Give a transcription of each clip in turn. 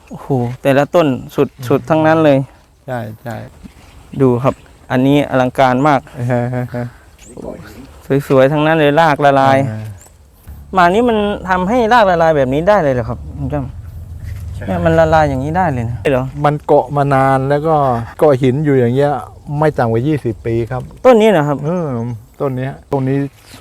โอ้โหแต่ละต้นสุดทั้งนั้นเลยใช่ใช่ดูครับ อันนี้อลังการมากสวยๆทั้งนั้นเลยรากละลายมานี้มันทำให้รากละลายแบบนี้ได้เลยเหรอครับคุณจ้ำเนี่ยมันละลายอย่างนี้ได้เลยนะเหรอมันเกาะมานานแล้วก็เกาะหินอยู่อย่างเงี้ยไม่ต่ำกว่า20 ปีครับต้นนี้นะครับต้นนี้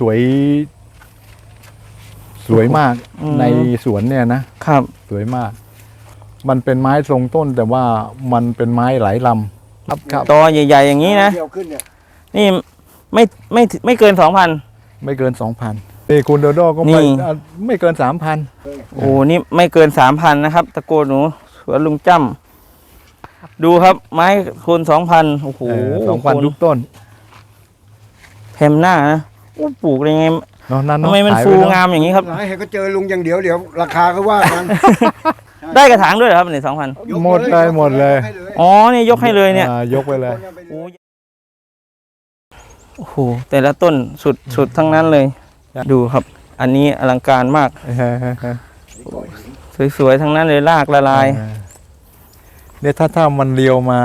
สวยมากในสวนเนี่ยนะครับสวยมากมันเป็นไม้ทรงต้นแต่ว่ามันเป็นไม้หลายลำครับตอใหญ่ๆอย่างนี้นะนี่ไม่เกิน 2,000 ไม่เกิน 2,000นี่คุณโดโดก็ไม่เกิน 3,000 โอ้นี่ไม่เกิน 3,000นะครับตะโกนหนูสวนลุงจ้ำดูครับไม้คูณ 2,000โอ้โห 2,000ทุกต้นแพมหน้านะปลูกยังไงทำไมมันฟูงามอย่างนี้ครับให้ก็เจอลุงอย่างเดี๋ยวราคาก็ว่ากันได้กระถางด้วยครับเนี่ย 2,000หมดเลยอ๋อนี่ยกให้เลยเนี่ยยกไปเลยโอ้โหแต่ละต้นสุดทั้งนั้นเลยดูครับอันนี้อลังการมากสวยๆทั้งนั้นเลยรากละลายเนี่ยถ้ามันเลียวมา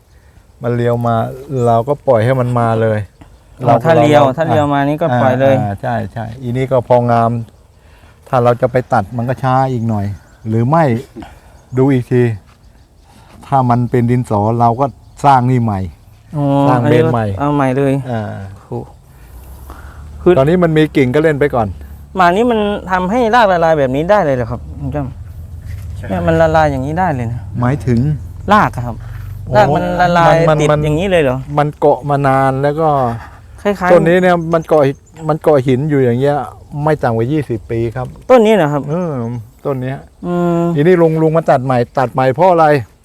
เราก็ปล่อยให้มันมาเลยถ้าเลียวมานี่ก็ปล่อยเลยใช่อีนี้ก็พองามถ้าเราจะไปตัดมันก็ช้าอีกหน่อยหรือไม่ดูอีกทีถ้ามันเป็นดินสอเราก็สร้างนี่ใหม่สร้างเบนใหม่เอาใหม่เลยคือตอนนี้มันมีกิ่งก็เล่นไปก่อนมานี้มันทำให้รากละลายแบบนี้ได้เลยเหรอครับคุณจ้ำเนี่ยมันละลายอย่างนี้ได้เลยนะหมายถึงรากครับรากมันละลายติดอย่างนี้เลยเหรอมันเกาะมานานแล้วก็คล้ายๆต้นนี้เนี่ยมันเกาะหินอยู่อย่างเงี้ยไม่ต่ำกว่า20 ปีครับต้นนี้นะครับต้นนี้ทีนี้ลุงมาตัดใหม่เพราะอะไร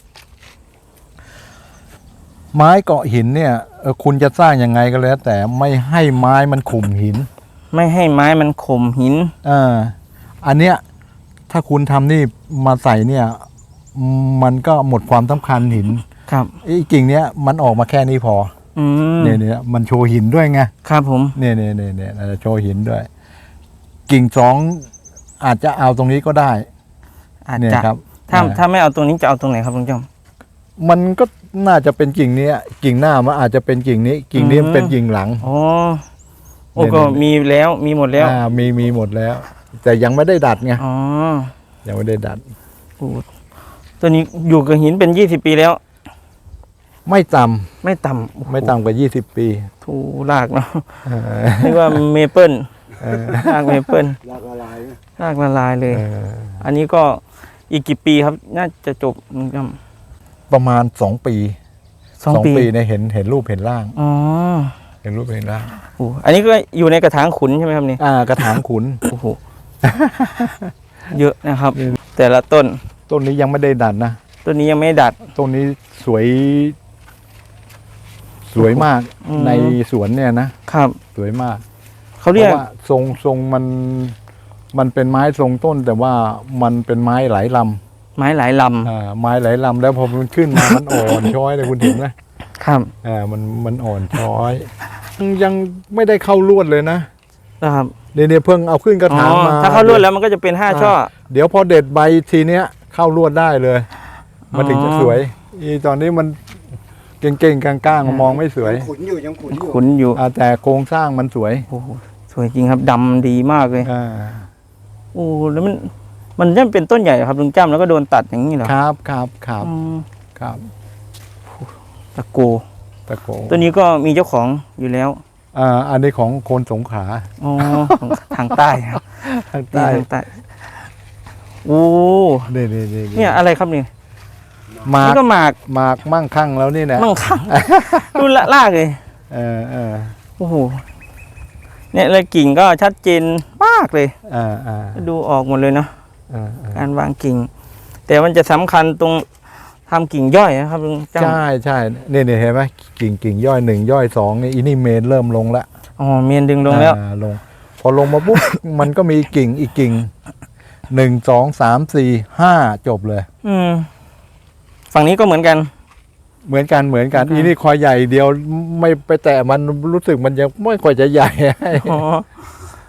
ไม้เกาะหินเนี่ยคุณจะสร้างยังไงก็แล้วแต่ไม่ให้ไม้มันข่มหินไม่ให้ไม้มันข่มหินอันเนี้ยถ้าคุณทำนี่มาใส่เนี่ยมันก็หมดความสำคัญหินครับอีกิ่งเนี้ยมันออกมาแค่นี้พอเนี่ยมันโชว์หินด้วยไงครับผมเนี่ยโชว์หินด้วยกิ่ง2อาจจะเอาตรงนี้ก็ได้อาจจะครับถ้าไม่เอาตรงนี้จะเอาตรงไหนครับลุงจ้ำมันก็น่าจะเป็นกิ่งนี้กิ่งหน้ามันอาจจะเป็นกิ่งนี้มันเป็นกิ่งหลังโอ้ก็มีแล้วมีหมดแล้วมีหมดแล้วแต่ยังไม่ได้ดัดไงยังไม่ได้ดัดตัวนี้อยู่กับหินเป็น20 ปีแล้วไม่ต่ำกว่า20 ปีถูรากเนาะเรียกว่าเมเปิลรากเมเปิลรากละลายเลยอันนี้ก็อีกกี่ปีครับน่าจะจบประมาณ2 ปี2 ปีเนี่ยเห็นรูปเห็นร่างเห็นรูปเห็นร่างอันนี้ก็อยู่ในกระถางขุนใช่ไหมครับนี่กระถางขุนโอ้โหเยอะนะครับ แต่ละต้นนี้ยังไม่ได้ดัดนะต้นนี้ยังไม่ดัดต้นนี้สวยมากในสวนเนี่ยนะครับสวยมากเขาเรียกว่าทรงมันเป็นไม้ทรงต้นแต่ว่ามันเป็นไม้หลายลำไม้หลายลำแล้วพอมันขึ้นมามันอ่อนช้อยเลยคุณเห็นไหมครับมันอ่อนช้อยยังไม่ได้เข้าลวดเลยนะครับเนี่ยเพิ่งเอาขึ้นกระถางมาถ้าเข้าลวดแล้วมันก็จะเป็น5 ช่อเดี๋ยวพอเด็ดใบทีเนี้ยเข้าลวดได้เลยมันถึงจะสวยตอนนี้มันเก่งๆกลางๆมองไม่สวยขุนอยู่แต่โครงสร้างมันสวยสวยจริงครับดำดีมากเลยแล้วมันจะเป็นต้นใหญ่ครับลุงจ้ำแล้วก็โดนตัดอย่างนี้เหรอครับตะโกตัวนี้ก็มีเจ้าของอยู่แล้วอันนี้ของคนสงขลาทางใต้ครับทางใต้เนี่ยอะไรครับนี่นี่ก็หมากมั่งคั่งแล้วนี่นะมั่งคั่งดูลากเลยโอ้โหเนี่ยเลยกิ่งก็ชัดเจนมากเลยดูออกหมดเลยเนาะการวางกิ่งแต่มันจะสำคัญตรงทำกิ่งย่อยนะครับลุงจ้ำใช่เนี่ยเห็นไหมกิ่งย่อย1ย่อย2นี่นี่เมนเริ่มลงแล้วเมนดึงลงแล้วพอลงมาปุ๊บ มันก็มีกิ่งอีกกิ่ง1 2 3 4 5จบเลยฝั่งนี้ก็เหมือนกันอีนี่คอยใหญ่เดียวไม่ไปแตะมันรู้สึกมันยังไม่ค่อยจะใหญ่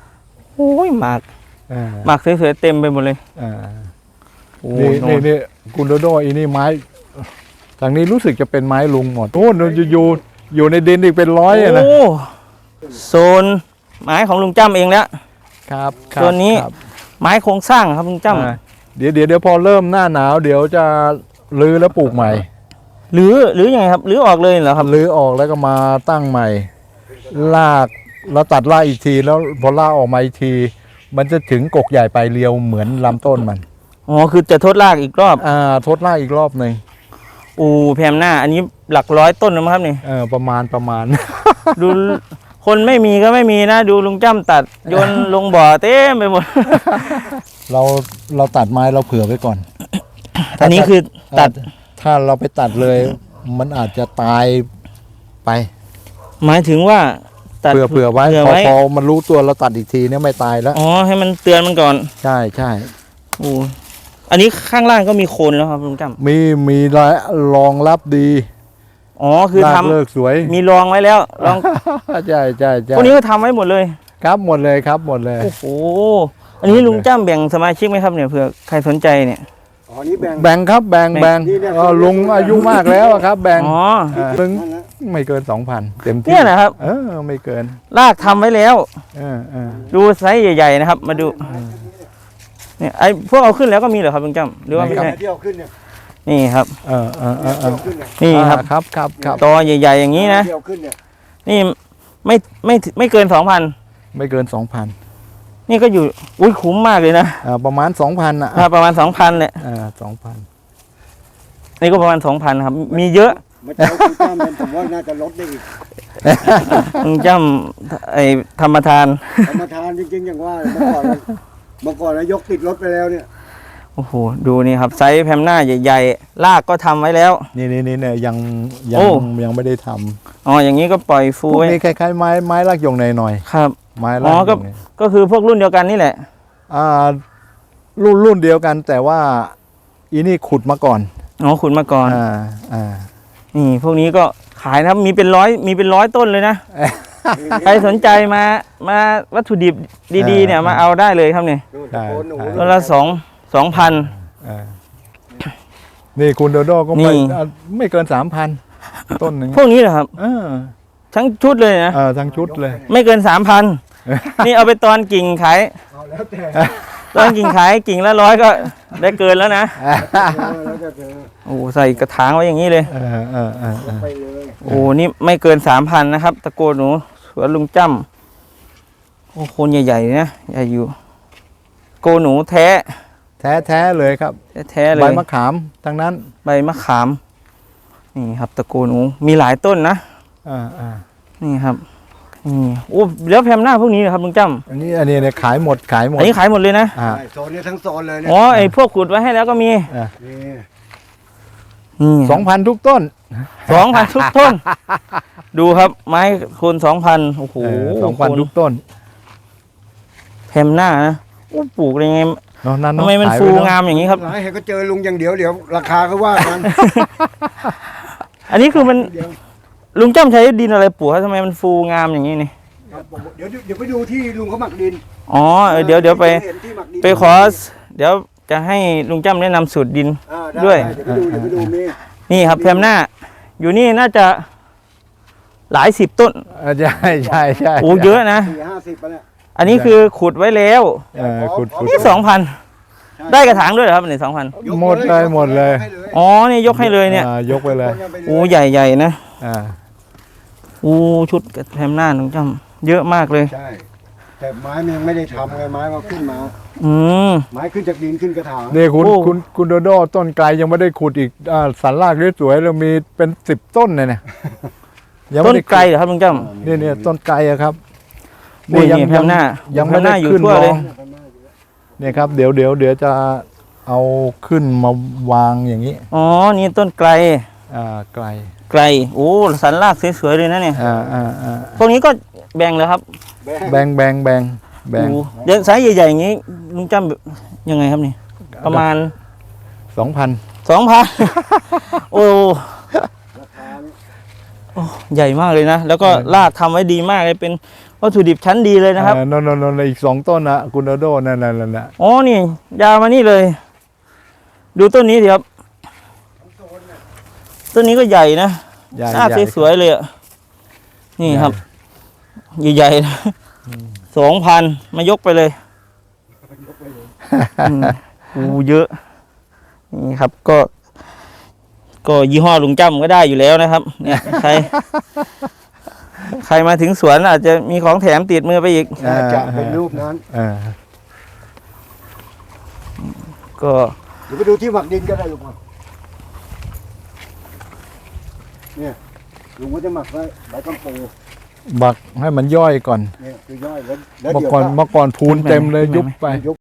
โอ้ยหมากสวยๆเต็มไปหมดเลยนี่คุณโดโดอีนี่ไม้ทางนี้รู้สึกจะเป็นไม้ลุงหมดโอ้อยู่ในดินอีกเป็นร้อยอะนะโอ้โซนไม้ของลุงจ้ำเองแล้วครับตัวนี้ครับไม้โครงสร้างครับลุงจ้อ่าเดี๋ยวพอเริ่มหน้าหนาวเดี๋ยวจะรื้อแล้วปลูกใหม่ำหรือยังไงครับหรือออกเลยเหรอครับรื้อออกแล้วก็มาตั้งใหม่ลากแล้วตัดรากอีกทีแล้วพอรากออกมาอีกที มันจะถึงกกใหญ่ปลายเรียวเหมือนลำต้นมันอ๋อคือจะทดรากอีกรอบทดรากอีกรอบหนึ่งแพมหน้า อันนี้หลักร้อยต้นนะครับนี่ประมาณดูคนไม่มีก็ไม่มีนะ ดูลุงจ้ำตัดโยนลงบ่อเต็มไปหมดเราตัดไม้เราเผื่อไว้ก่อนอันนี้คือตัดถ้าเราไปตัดเลย มันอาจจะตายไปหมายถึงว่าตัดเผื่อไว้เผื่อไว้พอมันรู้ตัวเราตัดอีกทีเนี่ยไม่ตายแล้วอ๋อให้มันเตือนมันก่อนใช่อันนี้ข้างล่างก็มีโคนแล้วครับลุงจ้ำมีรองรับดีอ๋อคือรากทำเลิกสวยมีรองไว้แล้วรองใช่พวกนี้ก็ทำไว้หมดเลยครับหมดเลยครับหมดเลยโอ้โหอันนี้ลุงจ้ำแบ่งสมาชิกไหมครับเนี่ยเผื่อใครสนใจเนี่ยอ๋อนี่แบ่งแบ่งครับแบ่งนี่เนี่ยลุงอายุมากแล้วอะครับ แบ่งอ๋อนึงนั่นแหละไม่เกิน 2,000 เต็มที่เนี่ยนะครับไม่เกินรากทำไว้แล้วเออดูไซส์ใหญ่ๆนะครับ มาดูเนี่ยไอ้พวกเอาขึ้นแล้วก็มีเหรอครับลุงจ้ำหรือว่าไม่ใช่ที่เอาขึ้นเนี่ยนี่ครับเออที่เอาขึ้นเนี่ยนี่ครับครับตอใหญ่ๆอย่างนี้นะที่เอาขึ้นเนี่ยนี่ไม่เกิน 2,000 ไม่เกิน 2,000 นี่ก็อยู่อุ้ยคุ้มมากเลยนะประมาณ 2,000อ่ะประมาณ 2,000เนี่ย 2,000 นี่ก็ประมาณ 2,000ครับมีเยอะมาเจ้าคุณจ้ามันผมว่าน่าจะลดได้อีกลุงจ้ำไอ้ธรรมทานธรรมทานจริงๆอย่างว่าเมื่อก่อนนะยกติดรถไปแล้วเนี่ยโอ้โหดูนี่ครับไซส์แพมหน้าใหญ่ๆรากก็ทำไว้แล้วนี่เนี่ยยังโอ้ไม่ได้ทอ๋ออย่างนี้ก็ปล่อยำพฟูวกไว้นี้คล้ายๆไม้รากหยงหน่อยครับๆไม้ราอ๋กอหยงหน่อยก็คือพวกรุ่นเดียวกันนี่แหละรุ่นเดียวกันแต่ว่าอีนี่ขุดมาก่อนอ๋อขุดมาก่อนอ่านี่พวกนี้ก็ขายนะครับมีเป็นร้อยต้นเลยนะ ใครสนใจมาวัตถุดิบดีๆเนี่ยมาเอาได้เลยครับเนี่ยนู่นตะโกนหนูต้นละ2,000 นี่คุณโดโดก็นี่ไม่เกิน 3,000 ต้นหนึ่งพวกนี้เหรอครับเออทั้งชุดเลยนะทั้งชุดเลยไม่เกิน 3,000 นี่เอาไปตอนกิ่งขายเอาแล้วแต่ตอนกิ่งขายกิ่งละ100ก็ได้เกินแล้วนะแล้วแต่เธอโอ้ใส่กระถางไว้อย่างนี้เลยไปเลยโอ้นี่ไม่เกิน 3,000 นะครับ ตะโกนหนูสวนลุงจ้ำโอ้โคนใหญ่ๆนะใหญ่อยู่โกหนูแท้แท้เลยครับแท้ๆเลใบยมะขามทั้งนั้นใบมะขามนี่ครับตะโกนหนูมีหลายต้นนะ นี่ครับนี่โอ้แล้วแพมหน้าพวกนี้เหรอครับลุงจ้อันนี้เนี่ยขายหมดำอันนี้ขายหมดเลยนะใช่โซนนี้ทั้งโซนเลยเนี่ยอ๋อไอ้พวกขุดไว้ให้แล้วก็มีนี่นี่ 2,000 ทุกต้น 2,000 ทุกต้น ดูครับไม้โคน2,000โอ้โห 2,000 ทุกต้นแพมหน้านะโอ้ปลูกยังไงเนาะนั่นทำไมมันขายฟูว้เอะงามอย่างนี้ครับหลายเห็นก็เจอลุงอย่างเดียวราคาก็ว่ากันอันนี้คือมันเดี๋ยวลุงจ้ำใช้ดินอะไรปลูกครับทำไมมันฟูงามอย่างนี้นี่ครับผมเดี๋ยวไปดูที่ลุงเขาหมักดินอ๋อเดี๋ยวไปเห็นที่หมักดินไปขอเดี๋ยวจะให้ลุงจ้ำแนะนำสูตรดินได้วยเดี๋ยวไปดูมีนี่ครับแพมหน้า อยู่นี่น่าจะหลาย10 ต้นใช่โอ้เยอะนะ 40ไปแล้วอันนี้คือขุดไว้แล้วขุดนี่2,000 ได้กระถางด้วยเหรอครับนี่2,000 หมดเลยให้เลยอ๋อนี่ยกให้เลยเนี่ยยกไปเลยโอ้ใหญ่ๆนะอ่าโอ้ชุดแพมหน้าลุงจ้ำเยอะมากเลยใช่แต่ไม้มันยังไม่ได้ทำไงไม้มันขึ้นมาอืมไม้ขึ้นจากดินขึ้นกระถางนี่คุณโอ้คุณโดโดต้นไกลยังไม่ได้ขุดอีกสันรากสวยๆเรามีเป็น10 ต้นเนี่ยยังต้ไม่นได้ไกลเหรอครับลุงจ้ำเนี่ยต้นไกลอะครับนี่แพมหน้ายังไม่แพมหได้น้าอยู่ขึ้นทั่วรเลอย งเนี่ยครับเดี๋ยวจะเอาขึ้นมาวางอย่างนี้อ๋อนี่ต้นไกลไกลไกลโอ้สันรากสวยๆเลยนะเนี่ย พวกนี้ก็แบ่งเลยครับแบ่งแบ่งโอ้เดี๋ยวไซส์ใหญ่ๆอย่างนี้ลุงจ้ำแบบยังไงครับนี่ประมาณ 2,000 2,000 โอ้โอ้ใหญ่มากเลยนะ แล้วก็รากทำไว้ดีมากเลยเป็นวัตถุดิบชั้นดีเลยนะครับนนอีก2 ต้นนะคุณโดโดนั่นอ๋อนี่ยาวมานี่เลย ดูต้นนี้สิครับต้นนี้ก็ใหญ่นะใหญ่หน้าใหญ่สวยๆเลยอ่ะนี่ครับ ใหญ่ๆนะ2,000 มายกไปเลยโอ้เยอะนี่ครับก็ยี่ห้อลุงจ้ำก็ได้อยู่แล้วนะครับ เนี่ยใครมาถึงสวนอาจจะมีของแถมติดมือไปอีกน่าจะเป็นรูปนั้นก็เดี๋ยวไปดูที่หมักดินก็ได้ลุงครับเนี่ยลุงก็จะหมักไว้ใบกัมปูบักให้มันย่อยก่อนเนี่ยคือย่อยแล้วเมื่อเดี๋ยวก่อนพูนเต็มเลยยุบไปยุบ